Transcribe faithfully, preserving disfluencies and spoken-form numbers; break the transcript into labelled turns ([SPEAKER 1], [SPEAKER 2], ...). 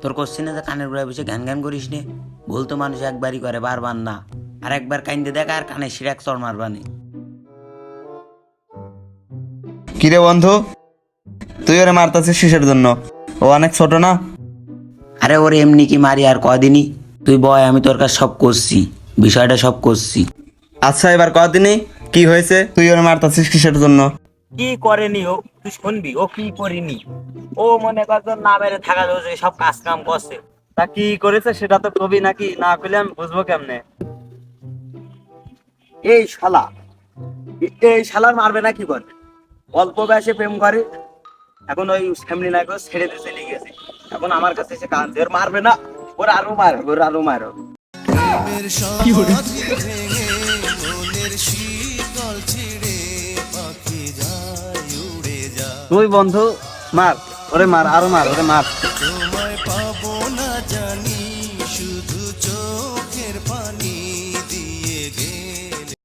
[SPEAKER 1] তোর কোশ্চিনে যে কানের গোড়ায় বসে গান গান করিস নে, বলতো মানুষ একবারই করে বারবার না। আর একবার কাইন্দে দেখ আর কানে শিরাক চড় মারবানি।
[SPEAKER 2] কিরে বন্ধু, তুই ওরে মারতাছিস কিসের জন্য? ও অনেক ছোট না?
[SPEAKER 1] আরে ওরে এমনি কি মারি আর কদিনই, তুই বয় আমি তোর কাছে সব করছি, বিষয়টা সব করছি।
[SPEAKER 2] আচ্ছা এবার কদিনই কি হয়েছে? তুই ওরে মারতাছিস কিসের জন্য?
[SPEAKER 3] কি করেনি ও, তুই শুনবি ও কি করিনি। ও মনে কর তোর না মেরে থাকা যাচ্ছে, সব কাজ কাম করছে।
[SPEAKER 2] তা কি করেছে সেটা তো কবি নাকি, না করলে আমি বুঝবো কেমনে?
[SPEAKER 3] এই শালা, এই শালার মারবে না কি করবে? অল্প বয়সে প্রেম করে, এখন ওই ফ্যামিলি নাই করে ছেড়ে দিয়ে চলে গেছে। এখন আমার কাছে এসে কাঁদছে, ওর মারবে না, ওর আরো মারো, ওর আরো মারো।
[SPEAKER 2] তুই বন্ধু মার, ওরে মার, আরো মার, ওরে মার।